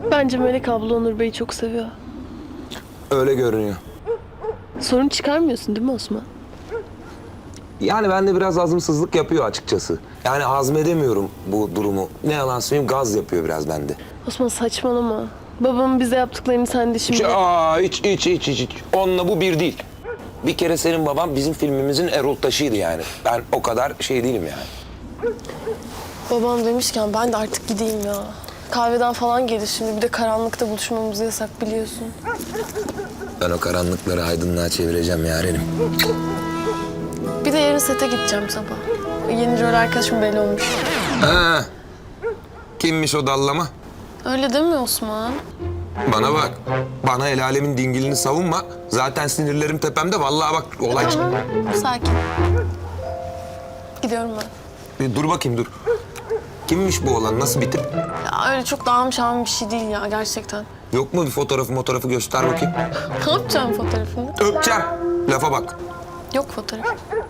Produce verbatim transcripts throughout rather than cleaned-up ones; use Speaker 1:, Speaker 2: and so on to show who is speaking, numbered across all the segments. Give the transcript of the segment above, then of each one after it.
Speaker 1: Bence Melek abla Onur Bey'i çok seviyor.
Speaker 2: Öyle görünüyor.
Speaker 1: Sorun çıkarmıyorsun değil mi Osman?
Speaker 2: Yani bende biraz azımsızlık yapıyor açıkçası. Yani hazmedemiyorum bu durumu. Ne yalan söyleyeyim, gaz yapıyor biraz bende.
Speaker 1: Osman saçmalama. Babamın bize yaptıklarını sen de şimdi...
Speaker 2: Hiç, aa, hiç, hiç, hiç, hiç, hiç. Onunla bu bir değil. Bir kere senin baban bizim filmimizin Erol Taşı'ydı yani. Ben o kadar şey değilim yani.
Speaker 1: Babam demişken ben de artık gideyim ya. Kahveden falan gelir şimdi. Bir de karanlıkta buluşmamız yasak biliyorsun.
Speaker 2: Ben o karanlıkları aydınlığa çevireceğim yarenim.
Speaker 1: Bir de yarın sete gideceğim sabah. Yeni rol arkadaşım belli olmuş.
Speaker 2: Ha. Kimmiş o dallama?
Speaker 1: Öyle değil mi Osman?
Speaker 2: Bana bak. Bana el alemin dingilini savunma. Zaten sinirlerim tepemde. Vallahi bak olay çıktı.
Speaker 1: Tamam, sakin. Gidiyorum ben.
Speaker 2: Bir dur bakayım dur. Kimmiş bu olan? Nasıl bir tip?
Speaker 1: Ya öyle çok dağılmış ağım bir şey değil ya gerçekten.
Speaker 2: Yok mu bir fotoğrafı fotoğrafı göster bakayım.
Speaker 1: Ne yapacağım fotoğrafını?
Speaker 2: Öpeceğim. Lafa bak.
Speaker 1: Yok fotoğraf.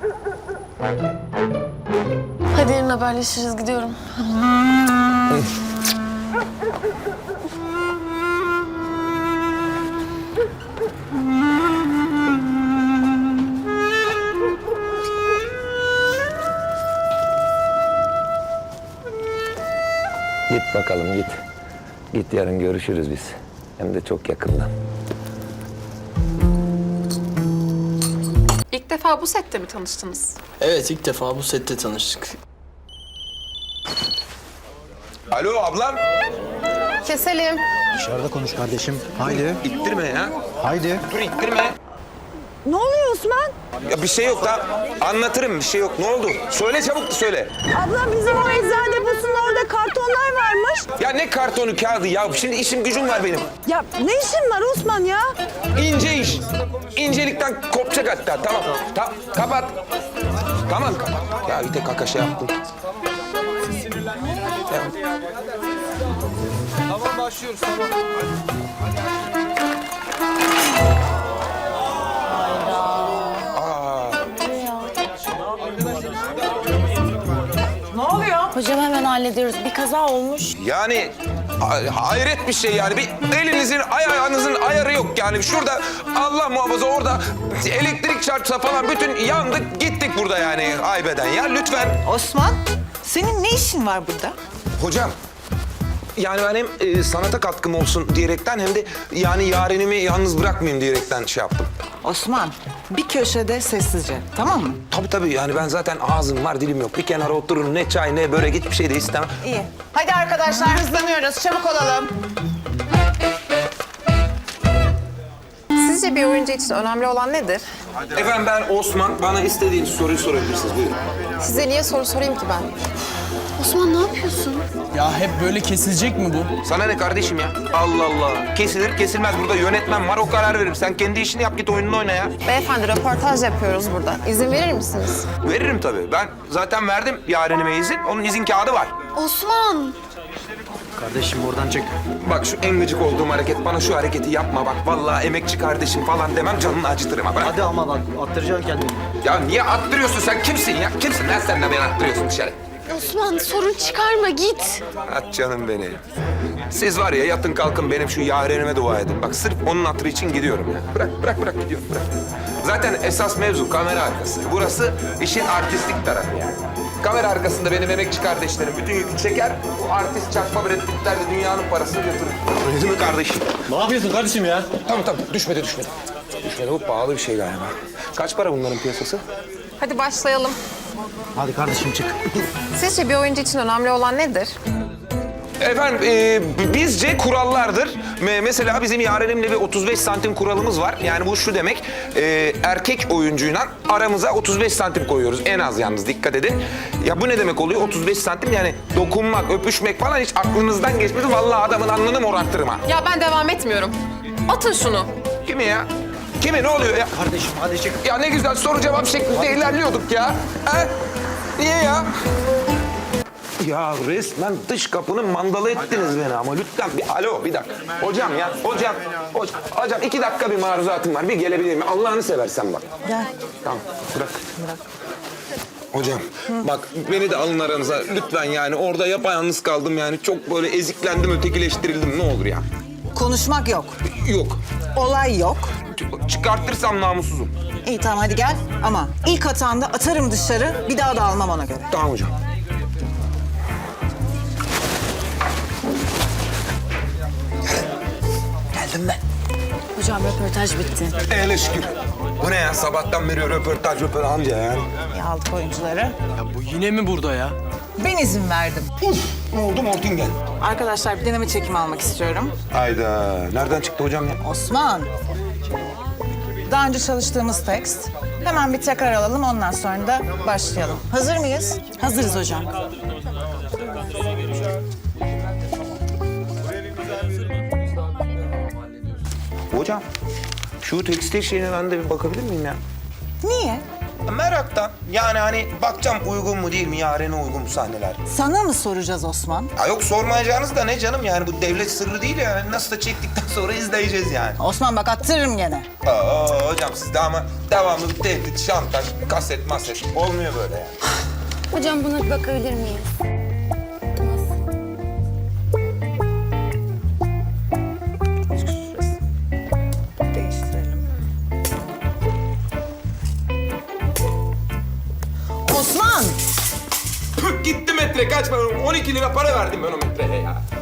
Speaker 1: Hadi yarın haberleşiriz gidiyorum.
Speaker 2: Git bakalım git. Git yarın görüşürüz biz. Hem de çok yakından.
Speaker 3: İlk defa bu sette mi tanıştınız?
Speaker 4: Evet, ilk defa bu sette tanıştık.
Speaker 2: Alo ablam.
Speaker 3: Keselim.
Speaker 5: Dışarıda konuş kardeşim. Haydi.
Speaker 2: İttirme ya.
Speaker 5: Haydi.
Speaker 2: Dur ittirme.
Speaker 6: Ne oluyor Osman?
Speaker 2: Ya bir şey yok da anlatırım, bir şey yok. Ne oldu? Söyle çabuk söyle.
Speaker 6: Abla bizim o eczane deposunun orada kartonlar varmış.
Speaker 2: Ya ne kartonu kağıdı ya? Şimdi işim gücüm var benim.
Speaker 6: Ya ne işin var Osman ya?
Speaker 2: İnce iş. İncelikten kopacak hatta. Tamam. Ta kapat. Tamam kapat. Ya bir tek kaka şey yaptım.
Speaker 4: Tamam, başlıyoruz, tamam.
Speaker 7: Hocam hemen hallediyoruz. Bir kaza olmuş.
Speaker 2: Yani ha- hayret bir şey yani. Bir elinizin, ayağınızın ayarı yok yani. Şurada Allah muhafaza orada elektrik çarpsa falan bütün yandık gittik burada yani haybeden ya lütfen.
Speaker 6: Osman, senin ne işin var burada?
Speaker 2: Hocam yani ben hem e, sanata katkım olsun diyerekten hem de yani yarenimi yalnız bırakmayayım diyerekten şey yaptım.
Speaker 6: Osman, bir köşede sessizce, tamam mı?
Speaker 2: Tabii tabii yani ben zaten ağzım var dilim yok. Bir kenara oturun ne çay ne börek hiçbir şey de istemem.
Speaker 6: İyi. Hadi arkadaşlar hızlanıyoruz, çabuk olalım.
Speaker 3: Sizce bir oyuncu için önemli olan nedir?
Speaker 2: Efendim ben Osman. Bana istediğiniz soruyu sorabilirsiniz. Buyurun.
Speaker 3: Size niye soru sorayım ki ben?
Speaker 1: Osman ne yapıyorsun?
Speaker 4: Ya hep böyle kesilecek mi bu?
Speaker 2: Sana ne kardeşim ya? Allah Allah. Kesilir kesilmez. Burada yönetmen var o karar verir. Sen kendi işini yap git oyununu oyna ya.
Speaker 3: Beyefendi röportaj yapıyoruz burada. İzin verir misiniz?
Speaker 2: Veririm tabii. Ben zaten verdim yarenime izin. Onun izin kağıdı var.
Speaker 1: Osman!
Speaker 5: Kardeşim oradan çık.
Speaker 2: Bak şu en gıcık olduğum hareket. Bana şu hareketi yapma bak. Vallahi emekçi kardeşim falan demem canını acıtırım ha. Bırak.
Speaker 5: Hadi ama bak attıracaksın kendini.
Speaker 2: Ya niye attırıyorsun sen? Kimsin ya? Kimsin lan sen de beni attırıyorsun dışarı?
Speaker 1: Osman sorun çıkarma git.
Speaker 2: At canım beni. Siz var ya yatın kalkın benim şu yarenime dua edin. Bak sırf onun hatırı için gidiyorum ya. Bırak bırak bırak gidiyorum bırak. Zaten esas mevzu kamera arkası. Burası işin artistlik tarafı yani. Kamera arkasında benim emekçi kardeşlerim bütün yükü çeker. O artist çakma Brad Pitt'ler de dünyanın parasını götürür. Öyle mi kardeşim?
Speaker 5: Ne yapıyorsun kardeşim ya?
Speaker 2: Tamam tamam düşmedi düşmedi. Düşmedi bu pahalı bir şey galiba. Kaç para bunların piyasası?
Speaker 3: Hadi başlayalım.
Speaker 5: Hadi kardeşim çık.
Speaker 3: Sizce bir oyuncu için önemli olan nedir?
Speaker 2: Efendim e, bizce kurallardır. Me- mesela bizim yarenimle bir otuz beş santim kuralımız var. Yani bu şu demek e, erkek oyuncuyla aramıza otuz beş santim koyuyoruz. En az yalnız dikkat edin. Ya bu ne demek oluyor otuz beş santim yani dokunmak, öpüşmek falan hiç aklınızdan geçmedi. Vallahi adamın alnını morartırım ha.
Speaker 3: Ya ben devam etmiyorum. Atın şunu.
Speaker 2: Kimi ya? Kimi ne oluyor ya?
Speaker 5: Kardeşim hadi çık.
Speaker 2: Ya ne güzel soru cevap şeklinde ilerliyorduk ya. Ha? Niye ya? Ya resmen dış kapının mandalı ettiniz beni ama lütfen bir alo bir dakika. Hocam ya hocam hocam, hocam iki dakika bir maruzatım var bir gelebilir mi? Allah'ını seversen bak.
Speaker 6: Gel.
Speaker 2: Tamam bırak.
Speaker 6: Bırak.
Speaker 2: Hocam bak beni de alın aranıza lütfen yani. Orada yapayalnız kaldım yani. Çok böyle eziklendim, ötekileştirildim. Ne olur ya.
Speaker 8: Konuşmak yok.
Speaker 2: Yok.
Speaker 8: Olay yok.
Speaker 2: Çıkartırsam namussuzum.
Speaker 8: İyi tamam hadi gel ama ilk hatanda atarım dışarı bir daha da almam ona göre.
Speaker 2: Tamam hocam. Geldim ben.
Speaker 7: Hocam röportaj bitti.
Speaker 2: Eyle şükür. Bu ne ya? Sabahtan beri röportaj röportaj anca yani.
Speaker 8: İyi aldık oyuncuları.
Speaker 4: Ya bu yine mi burada ya?
Speaker 8: Ben izin verdim.
Speaker 2: Uf, ne oldu Mortingen?
Speaker 8: Arkadaşlar bir deneme çekimi almak istiyorum.
Speaker 2: Hayda. Nereden çıktı hocam ya?
Speaker 8: Osman. Daha önce çalıştığımız tekst. Hemen bir tekrar alalım ondan sonra da başlayalım. Hazır mıyız?
Speaker 7: Hazırız hocam.
Speaker 2: Hocam, şu tekstil şeyine ben de bir bakabilir miyim ya?
Speaker 8: Niye?
Speaker 2: Meraktan. Yani hani bakacağım uygun mu değil mi, yarene uygun mu sahneler?
Speaker 8: Sana mı soracağız Osman?
Speaker 2: Ha yok sormayacağınız da ne canım yani bu devlet sırrı değil ya. Nasıl da çektikten sonra izleyeceğiz yani.
Speaker 8: Osman bak attırırım gene.
Speaker 2: Aa hocam siz de ama devamlı bir tehdit, şantaj, kaset, maset olmuyor böyle yani.
Speaker 7: Hocam buna bir bakabilir miyiz?
Speaker 8: Değiştirelim. Osman!
Speaker 2: Gitti metre kaç ben on iki lira para verdim ben o metreye ya.